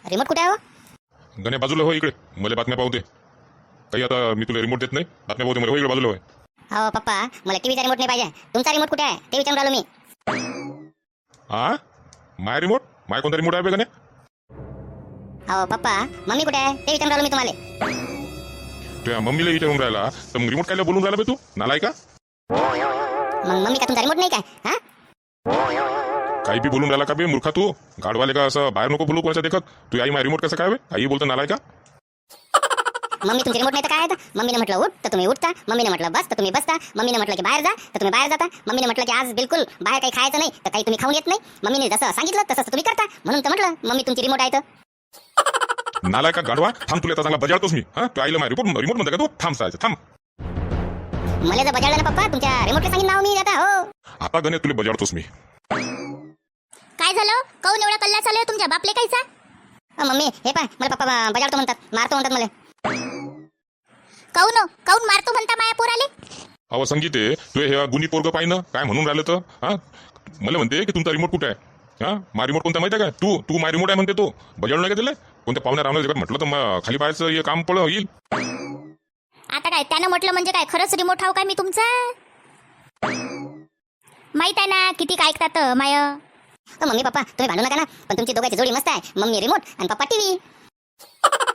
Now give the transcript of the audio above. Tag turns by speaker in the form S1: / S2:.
S1: Remote कुठे आहे हो?
S2: गण्या बाजूला हो, इकडे मला बातम्या पाहू दे. काही आता मी तुला रिमोट देत नाही, बातम्या पाहू दे मला. हो इकडे बाजूला होय.
S1: हो पप्पा, मला टीव्हीचा रिमोट नाही पाहिजे. तुमचा रिमोट कुठे आहे ते विचारून राहिलो मी.
S2: हा, माय रिमोट? माय कोणता रिमोट आहे बे गण्या?
S1: हो पप्पा, मम्मी कुठे आहे ते विचारून राहिलो मी तुम्हाला.
S2: तुझ्या मम्मीला विचारून राहिला तर मग रिमोट कायला बोलून राहिला बे तू? नालाय का?
S1: मग मम्मी का तुमचा रिमोट नाही काय? हा,
S2: काही बी बोलून राहिला का बे मूर्खा तू? गाडवाले का असं बाहेर नको बोलू कोणाच्या देखत. तू आई माय रिमोट कसं काय बे? आई बोलतो नालाय का?
S1: मम्मी तुमची रिमोट नाही तर काय आहे? मम्मीने म्हटलं उठ तर तुम्ही उठता, मम्मीने म्हटलं बस तर तुम्ही बसता, मम्मीने म्हटलं की बाहेर जा तर तुम्ही बाहेर जाता, मम्मीने म्हटलं की आज बिलकुल बाहेर काही खायचं नाही तर काही तुम्ही खाऊन येत नाही. मम्मीने जसं सांगितलं तसं तुम्ही करता, म्हणून तर म्हटलं मम्मी तुमची रिमोट आहे तर.
S2: नालाय का गाडवा? थांब, तुला आता चांगला बजावतोस मी. हा, तू आईला माय रिमोट रिमोट म्हणता का तू? थांब सायचं, थांब.
S1: मला जर बजावलं ना पप्पा, तुमच्या रिमोटला सांगितलं नाव मी आता. हो
S2: आता गणे तुला बजावतोस मी.
S3: काय झालं? काऊन एवढा कल्ला चालू आहे तुमच्या बापले कायचा?
S1: मम्मी हे पाय, मला पप्पा बजावतो म्हणतात, मारतो म्हणतात मला.
S3: काऊन मारतो म्हणता माया पोराले?
S2: अहो संगीते, तू हे गुणी पोरग पाहिनं काय म्हणून राहिलं तर? हा, मला म्हणते की तुमचा रिमोट कुठे आहे? हा, मा रिमोट कोणता माहिती आहे का? तू तू माय रिमोट आहे म्हणते. तो बजावलं नाही का तिला? कोणत्या पाहुण्या रावण्या जगात म्हटलं तर मग खाली पाहायचं हे काम पळ येईल.
S3: आता काय त्यानं म्हटलं म्हणजे काय खरंच रिमोट हाव काय मी तुमचा? माहित आहे ना किती काय ऐकतात माय.
S1: मम्मी पप्पा तुम्ही भांडू नका ना, पण तुमची दोघांची जोडी मस्त आहे. मम्मी रिमोट आणि पप्पा टीव्ही.